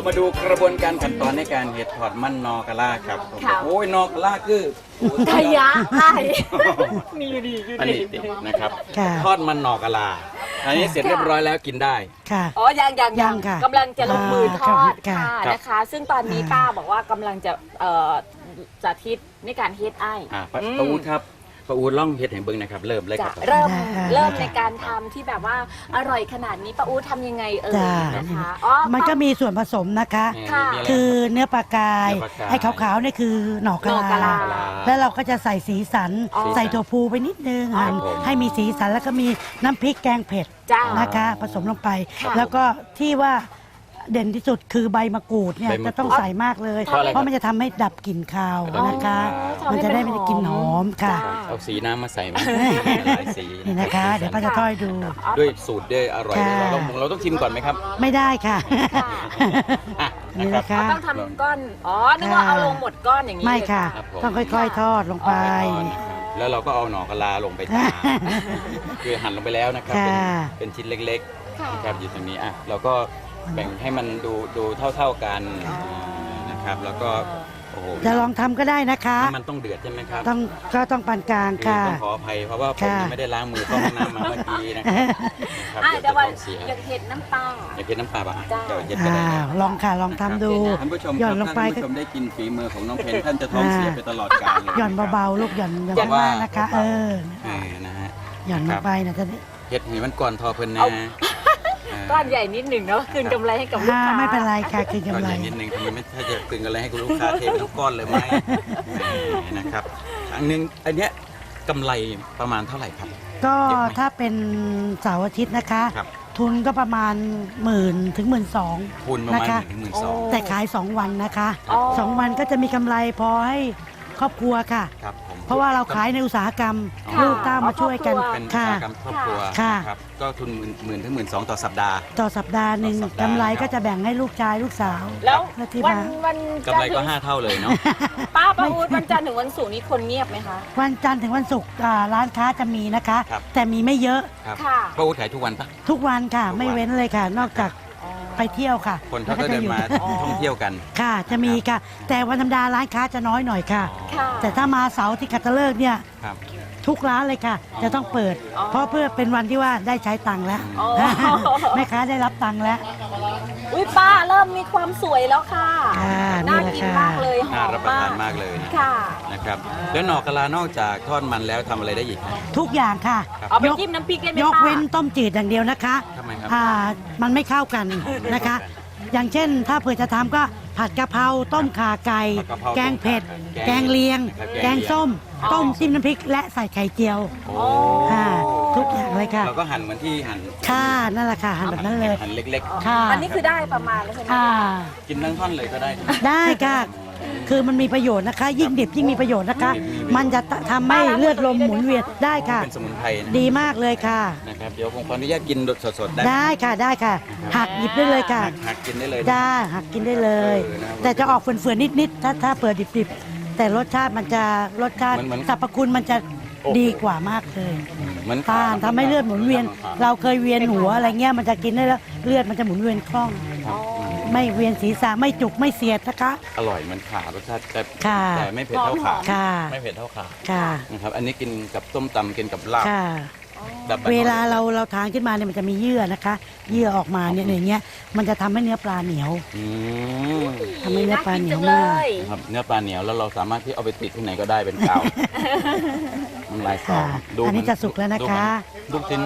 มาดูกระบวนการขั้นตอนในการเห็ดถอดมันนอกะลาครับโอ้ยนอกะลาคือขยะไอ้มีดีอยู่ดีนะครับทอดมันนอกะลาอันนี้เสร็จเรียบร้อยแล้วกินได้ค่ะอ๋อยังกำลังจะลงมือทอดค่ะนะคะซึ่งตอนนี้ป้าบอกว่ากำลังจะสาธิตในการเฮ็ดไอ้ป้าอู๊ดครับป้าอู๊ดล่องเฮ็ดแห่งเบิ้งนะครับเริ่มเลยครับเริ่มในการทำที่แบบว่าอร่อยขนาดนี้ป้าอู๊ดทำยังไงนะคะอ๋อมันก็มีส่วนผสมนะคะคือเนื้อปลากายไอ้ขาวๆนี่คือหน่อกะลาแล้วเราก็จะใส่สีสันใส่ถั่วพูไปนิดนึงให้มีสีสันแล้วก็มีน้ำพริกแกงเผ็ดนะคะผสมลงไปแล้วก็ที่ว่าเด่นที่สุดคือใบมะกรูดเนี่ยจะต้องใส่มากเลยเพราะมันจะทำให้ดับกลิ่นคาวนะคะมันจะได้ไม่ได้กลิ่นหอมค่ะเอาสีน้ำมาใส่มาหลายสีนี่นะคะเดี๋ยวป้าจะทอดดูด้วยสูตรด้วยอร่อยเราต้องชิมก่อนไหมครับไม่ได้ค่ะนี่นะคะต้องทำก้อนนึกว่าเอาลงหมดก้อนอย่างนี้ไม่ค่ะต้องค่อยๆทอดลงไปแล้วเราก็เอาหน่อกะลาลงไปตาคือหั่นลงไปแล้วนะครับเป็นชิ้นเล็กๆนะครับอยู่ตรงนี้เราก็แบ่งให้มันดูเท่ากันนะครับแล้วก็จะลองทำก็ได้นะคะมันต้องเดือดใช่ไหมครับก็ต้องปานกลางค่ะต้องขออภัยเพราะว่าผมไม่ได้ล้างมือเข้าห้องน้ำมาเมื่อกี้นะครับแต่ว่าอยากเห็ดน้ำปลาอยากเห็ดน้ำปลาป่ะลองค่ะลองทำดูท่านผู้ชมครับท่านผู้ชมได้กินฝีมือของน้องเพนท่านจะท้องเสียไปตลอดกาลเลยหย่อนเบาๆลูกหย่อนมากนะคะนะฮะหย่อนลงไปนะท่านเห็ดให้มันก่อนทอเพลินนะก้อนใหญ่นิดหนึ่งเนาะคืนกำไรให้กับลูกค้าไม่เป็นไรค่ะคืนกำไรนิดหนึ่งทำไมไม่ถ้าจะคืนกำไรให้กับลูกค้าเททุกก้อนเลยไหมนะครับอันนึงอันเนี้ยกำไรประมาณเท่าไหร่ครับก็ถ้าเป็นเสาร์อาทิตย์นะคะทุนก็ประมาณ10,000 ถึง 12,000 ทุนประมาณ10,000 ถึง 12,000 แต่ขาย2 วันนะคะ2 วันก็จะมีกำไรพอให้ครอบครัวค่ะเพราะว่าเราขายในอุตสาหกรรมลูกเต้ามาช่วยกันเป็นอุตสาหกรรมครอบครัวครับก็ทุน10,000 ถึง 12,000ต่อสัปดาห์หนึ่งกำไรก็จะแบ่งให้ลูกชายลูกสาวแล้ววันกำไรก็5 เท่าเลยเนาะป้าอู๊ดวันจันทร์ถึงวันศุกร์นี้คนเงียบไหมคะวันจันทร์ถึงวันศุกร์ร้านค้าจะมีนะคะแต่มีไม่เยอะค่ะป้าอู๊ดขายทุกวันปะทุกวันค่ะไม่เว้นเลยค่ะนอกจากไปเที่ยวค่ะคนเขาก็เดินมาท่องเที่ยวกันค่ะจะมีค่ะแต่วันธรรมดาร้านค้าจะน้อยหน่อยค่ะแต่ถ้ามาเสาร์ที่คัตฤกษ์เนี่ยทุกร้านเลยค่ะจะต้องเปิดเพราะเพื่อเป็นวันที่ว่าได้ใช้ตังค์แล้วแม่ค้าได้รับตังค์แล้วอุ้ยป้าเริ่มมีความสวยแล้วค่ะน่ากินมากเลยน่ารับประทานมากเลยนะครับแล้วหน่อกะลานอกจากทอดมันแล้วทำอะไรได้อีกทุกอย่างค่ะเอาไปจิ้มน้ำพริกได้ไหมยกเว้นต้มจืดอย่างเดียวนะคะทำไมครับมันไม่เข้ากันนะคะอย่างเช่นถ้าเผื่อจะทำก็ผัดกะเพราต้มข่าไก่แกงเผ็ดแกงเลียงแกงส้มต้มจิ้มน้ำพริกและใส่ไข่เจียวทุกอย่างเลยค่ะเราก็หั่นเหมือนที่หั่นค่ะนั่นแหละค่ะหั่นแบบนั้นเลยหั่นเล็กๆค่ะอันนี้คือได้ประมาณแล้วใช่ไหมกินทั้งท่อนเลยก็ได้ได้ค่ะคือมันมีประโยชน์นะคะยิ่งดิบยิ่งมีประโยชน์นะคะมันจะทำให้เลือดลมหมุนเวียนได้ค่ะเป็นสมุนไพรดีมากเลยค่ะนะครับเดี๋ยวผมขออนุญาตกินสดๆได้ค่ะได้ค่ะหักหยิบได้เลยค่ะหักกินได้เลยได้หักกินได้เลยแต่จะออกเฟื่อนๆนิดๆถ้าเปิดดิบๆแต่รสชาติมันจะรสชาติสรรพคุณมันจะดีกว่ามากเลยมันทำให้เลือดหมุนเวียนเราเคยเวียนหัวอะไรเงี้ยมันจะกินได้แล้วเลือดมันจะหมุนเวียนคล่องไม่เวียนศีรษะไม่จุกไม่เสียดนะคะอร่อยมันขารสชาติแต่ไม่เผ็ดเท่าขาไม่เผ็ดเท่าขานะครับอันนี้กินกับต้มตำกินกับลาบเวลาเราทานขึ้นมาเนี่ยมันจะมีเยื่อนะคะเยื่อออกมาเนี่ยอย่างเงี้ยมันจะทำให้เนื้อปลาเหนียวทำให้เนื้อปลาเหนียวมากครับเนื้อปลาเหนียวแล้วเราสามารถที่เอาไปติดที่ไหนก็ได้เป็นกาวมันลายสองอันนี้จะสุกแล้วนะคะลูกชิ้น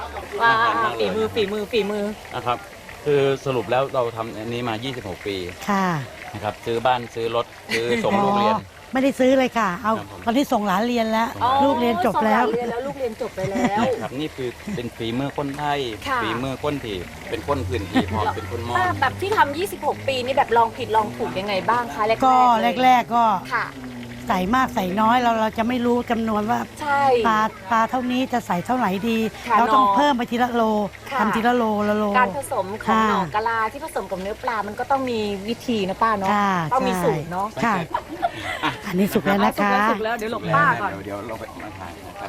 ฝีมือนะครับคือสรุปแล้วเราทำอันนี้มา26 ปีค่ะนะครับซื้อบ้านซื้อรถซื้อส่งลูกเรียนไม่ได้ซื้อเลยค่ะเอาตอนที่ส่งหลานเรียนแล้วลูกเรียนจบแล้วลูกเรียนจบไปแล้วครับนี่คือเป็นฝีมือคนไทยฝีมือคนที่เป็นคนพื้นที่พร้อมเป็นคนมอญแบบที่ทำ26 ปีนี่แบบลองผิดลองถูกยังไงบ้างคะก็แรกก็ใส่มากใส่น้อยเราจะไม่รู้จำนวนว่าปลาเท่านี้จะใส่เท่าไหร่ดีเราต้องเพิ่มไปทีละโลทำทีละโลการผสมของหน่อกะลาที่ผสมกับเนื้อปลามันก็ต้องมีวิธีนะป้าเนาะต้องมีสูตรเนาะค่ะอันนี้สุกแล้วนะคะสุกแล้วเดี๋ยวหลบป้าก่อนเดี๋ยวเราไปมาทานนะครับ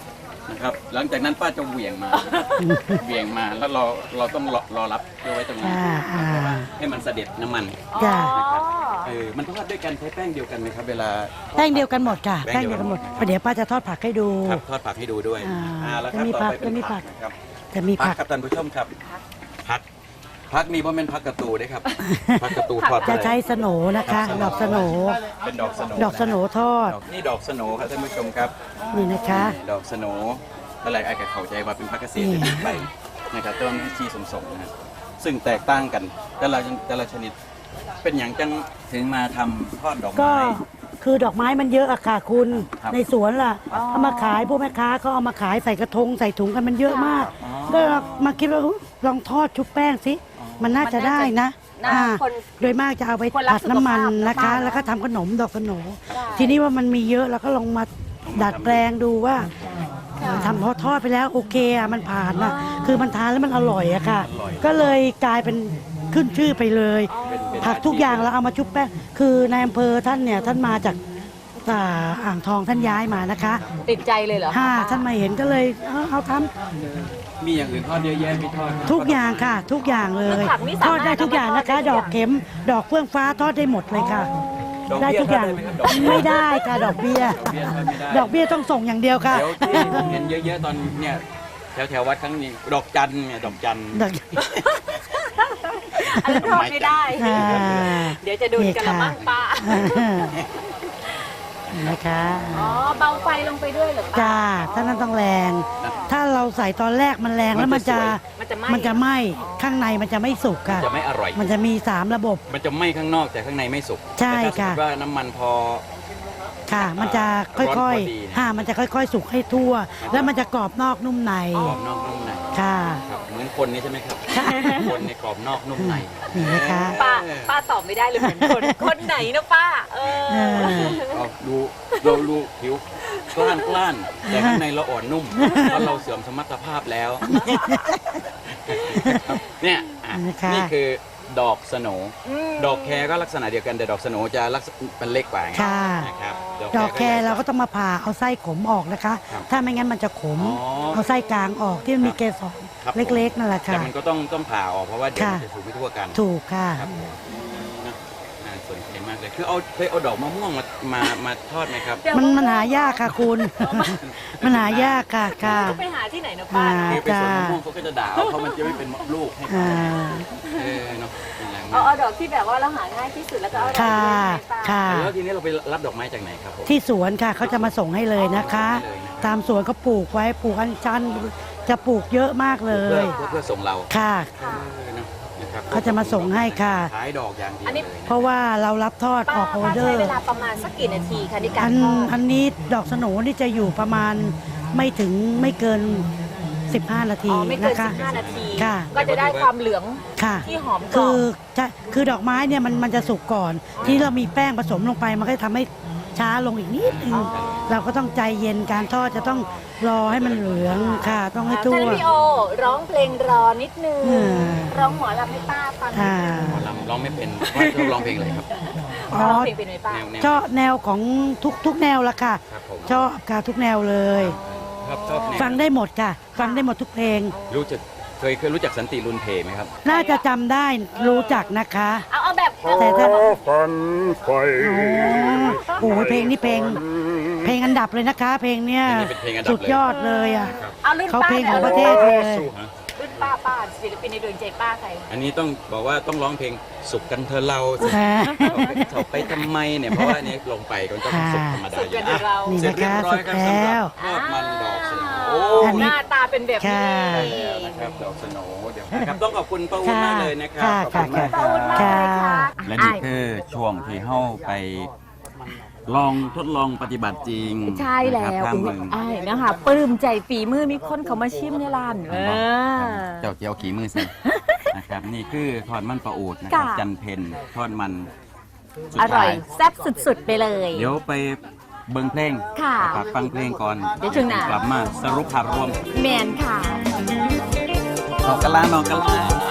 นะครับหลังจากนั้นป้าจะเหวี่ยงมาเหวี่ยงมาแล้วเราต้องรอรับไว้ตรงนั้นให้มันเสด็จน้ำมันจ้ะนะครับมันทอดด้วยกันใช้แป้งเดียวกันไหมครับเวลาแป้งเดียวกันหมดค่ะแป้แป้งงเดีเดียยว วกักัน นหหมมดดเดี๋ยวป้าจะทอดผักให้ดูครับทอดผักให้ดูด้วยแล้วครับจะมีต่อผักไปเป็นจะมีผัผักกนะครับจะมีผัผักกครับท่านผู้ชมครับผักนี่เพราะเป็นผักกระตูด้วยครับผักกระตูทอดจะไปใช้สโหนนะคะ ดอกสโหนเป็นดอกสโหนดอกสโหนทอดนี่ดอกสโหนครับท่านผู้ชมครับนี่นะคะดอกสโหนอะไรไอ้กับเข้าใจว่าเป็นผักเกษตรไปนะครับต้นที่ชีสมๆนะครับซึ่งแตกต่างกันแต่ละชนิดเป็นอย่างจังถึงมาทำทอดดอกก็ไม้คือดอกไม้มันเยอะอะค่ะคุณครับในสวนล่ะเอามาขายพวกแม่ค้าเขาเอามาขายใส่กระทงใส่ถุงกันมันเยอะมากอ๋อก็มาคิดว่าลองทอดชุบแป้งสิมันน่าจะได้นะน่าอ่าคนโดยมากจะเอาไปคนรักผัดน้ำมันสุขภาพนะคะมากๆแล้วก็ทำขนมดอกสโหนได้ทีนี้ว่ามันมีเยอะเราก็ลองมาดัดแปลงดูว่าทำพอทอดไปแล้วโอเคอะมันผ่านนะคือมันทานแล้วมันอร่อยอะค่ะ ก็เลยกลายเป็นขึ้นชื่อไปเลยเป็นผักทุกอย่างเราเอามาชุบแป้งคือในอำเภอท่านเนี่ยท่านมาจากอ่างทองท่านย้ายมานะคะติดใจเลยเหรอท่านมาเห็นก็เลยเอาทมีอย่างอื่นทอดเยอะแยะมีทอดำทุกอย่างค่ะ ทุกอย่างเลย ทอดได้ทุกอย่างนะคะ ดอกเข็ม ดอกเฟื่องฟ้าทอดได้หมดเลยค่ะ ได้ทุกอย่างไม่ได้ค่ะดอกเบี้ย ดอกเบี้ยต้องส่งอย่างเดียวค่ะเดี๋ยวที่ผมเห็นเยอะๆตอนเนี่ยแถววัดครั้งนี้ดอกจันเนี่ยดอกจันดอกอันนั้นทอดไม่ได้อ่าเดี๋ยวจะดูดกันละมั้งป้านะคะอ๋อเบาไฟลงไปด้วยเหรอป้าจ้าถ้านั้นต้องแรง ถ้าเราใส่ตอนแรกมันแรงแล้วมันจะมันจะไหม้ข้างในมันจะไม่สุกค่ะจะไม่อร่อยมันจะมี3ระบบมันจะไหม้ข้างนอกแต่ข้างในไม่สุกใช่แต่ถ้าสมค่ะมติว่าน้ำมันพอค่ะ มันจะค่ร้อนพออย ดีนะๆมันจะค่อยๆ สุกให้ทั่ว แล้วมันจะกรอบนอกนุ่มในกรอบนอกนุ่มในค่ะครับเหมือนคนนี้ใช่ไหมครับคนในกรอบนอกนุ่มในนี่นะคะป้าตอบไม่ได้เลยเหมือนคนไหนนะป้าเอาเราดูผิวกล้านแต่ข้างในเราอ่อนนุ่มเพราะเราเสื่อมสมรรถภาพแล้วเนี่ยอ่ะนะคะนี่คือดอกสโหนดอกแครก็ลักษณะเดียวกันแต่ดอกสโหนจะลักษณะเป็นเล็กกว่าไงค่ะนะครับดอกแครเราก็ต้องมาผ่าเอาไส้ขมออกนะคะครับถ้าไม่งั้นมันจะขมอ๋อเอาไส้กลางออกที่มันมีเกสรครับเล็กๆนั่นแหละแต่ค่ะมันก็ต้องผ่าออกเพราะว่าเดี๋ยวค่ะมันจะสูงไม่ทั่วกันถูกค่ะครับนะน่าสนใจมากเลยคือเคยเอาดอกมะม่วงมาทอดไหมครับมันหายากค่ะคุณ มันหายากค่ะค่ะต้องไปหาที่ไหนนะป้าคือไปสวนมะม่วงเขาก็จะด่าเอาเพราะมันจะไม่เป็นลูกให้อ่าเนาะเป็นอย่างเอานั้นดอกที่แบบว่าเราหาง่ายที่สุดแล้วก็เอาดอกค่ะที่ไม่ป้าค่ะแล้วทีนี้เราไปรับดอกไม้จากไหนครับผมที่สวนค่ะเขาจะมาส่งให้เลยนะคะส่งให้เลยนะครับตามสวนก็ปลูกไว้ปลูกอัญชันจะปลูกเยอะมากเลยเพื่อส่งเราค่ะเนอะนะครับเขาจะมาส่งให้ค่ะขายดอกอย่างเดียวอันนี้เลยนะเพราะว่าเรารับทอดออกออเดอใช้ร์เวลาประมาณสักกี่นาทีคะในการอันทอดอันนี้ดอกสโหนนี่จะอยู่ประมาณไม่เกิน 15 นาทีอ๋อไม่เกินนะคะ 15 นาทีค่ะก็จะได้ความเหลืองค่ะที่หอมกรอบคือดอกไม้เนี่ยมันจะสุกก่อน ที่เรามีแป้งผสมลงไปมันก็จะทำให้ช้าลงอีกนิดนึงเราก็ต้องใจเย็นการทอดจะต้องรอให้มันเหลืองค่ะ ต้องให้ทั่ท่านวพี่โอร้องเพลงรอนิดนึงอืมร้องหมอลำให้ป้าฟังนิดอ่านึงหมอลำร้องไม่เป็นว่าชอบร้องเพลงอะไรครับอ๋อร้องเพลงเป็นไหมป้าแนวชอบแนวของทุกแนวละค่ะครับผมชอบค่ะทุกแนวเลยชอบแนวฟังได้หมดค่ะ ฟังได้หมดทุกเพลงเคยรู้จักสันติรุนเพไหมครับน่าจะจำได้รู้จักนะคะเอาแบบแต่ถ้าฝันไฟโอ้โหเพลงนี้เพลงอันดับเลยนะคะ เพลงเนี้ยเพลงนี้เป็นเพลงอันดับเลยสุดยอดเลยอ่ะเอารุ่นเขาป้าเพลงหขน่องยประเทศเลยรุ่นป้าศิลปินในดวงใจป้าใครอันนี้ต้องบอกว่าต้องร้องเพลงสุขกันเธอเราค่ะเขาไปทำไมเนี่ยเพราะว่าอันนี้ลงไปก็ต้องสุขธรรมดาสุขอกัยู่นนะเรานี่เสร็จนะเรียคะบร้อสุยดครับแล้สำหรับทอดวมันดอกสโหนอันนี้หน้าตาเป็นแบบนี้ค่ะแล้วนะครับดอกสโหนเดี๋ยวนะครับต้องขอบคุณป้าอุ้นมากเลยนะครับค่ะขอบคุณมากขอบคุณมากเลยค่ะและนี่คือช่วงที่เข้าไปลองทดลองปฏิบัติจริงใช่แล้นะวครับทางเมืองไอ้นะคะปลื้มใจฝีมือมีคนเขามาชิมในร้านเจ้าเจียวขี่มือสินะครับนี่คือทอดมันปลาอูดนะครับค่ะจันเพนทอดมันสุดอร่ท้าอยแซ่บสุดๆไปเลยเดี๋ยวไปเบิ่งเพลงค่ะฝากฟังเพลงก่อนเดี๋ยวช่วงหน้ากลับมาสรุปภาพรวมแมนค่ะนอกกะลานอกกะลา